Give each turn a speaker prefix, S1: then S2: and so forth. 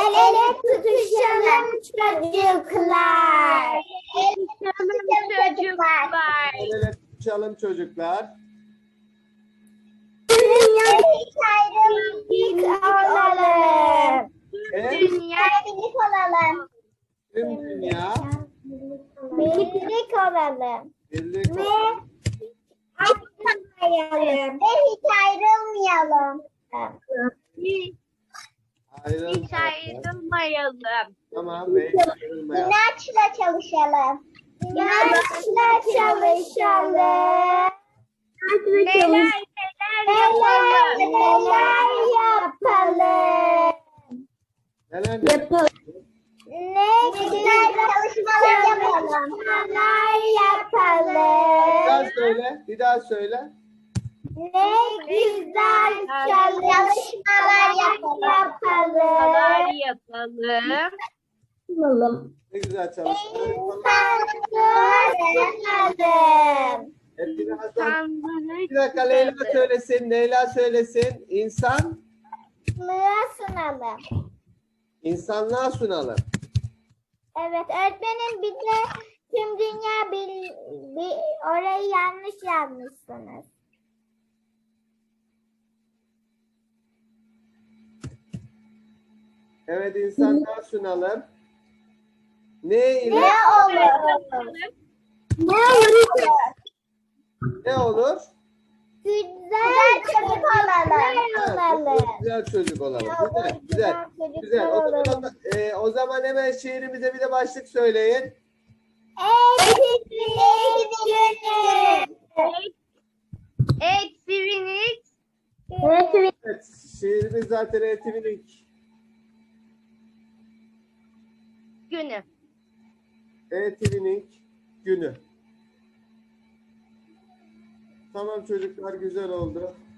S1: El ele tutuşalım çocuklar.
S2: El ele tutuşalım çocuklar.
S1: Birlik olalım.
S2: Evet.
S1: Birlik olalım.
S2: Tüm dünya
S1: Birlik olalım.
S2: birlik
S1: Ve ayrılmayalım. Ve hiç ayrılmayalım.
S2: ayrılmayalım.
S3: Hiç ayrılmayalım.
S2: Tamam ve hiç ayrılmayalım.
S1: İnançla çalışalım. İnançla çalışalım.
S3: Neler
S1: Neler
S3: yapalım.
S1: yapalım.
S2: Neler yapalım?
S1: Ne güzel çalışmalar yapalım.
S2: Bir daha
S1: Yapalım.
S2: söyle. Bir daha söyle.
S1: Ne güzel çalışmalar yapalım.
S3: Neler yapalım.
S2: Ne güzel çalışmalar yapalım.
S1: İnsanlığı
S2: Hep birazdan.
S3: Tanrı'yı
S2: Bir dakika Leyla söylesin. Leyla söylesin. İnsan,
S1: sunalım.
S2: insanlığa sunalım.
S1: Evet öğretmenim bir de tüm dünya orayı yanlış yazmışsınız.
S2: Evet insanlığa sunalım. Ne ile?
S1: Ne olur? Ne olur?
S2: Ne olur?
S1: Güzel çocuk olalım.
S2: Evet, güzel çocuk olalım. Güzel, güzel. Güzel. O zaman hemen şiirimize bir de başlık söyleyin.
S1: Eğitim günü.
S3: Etkinlik
S2: Evet, şiirimiz zaten eğitimin
S3: günü.
S2: eğitimin günü. Tamam çocuklar güzel oldu.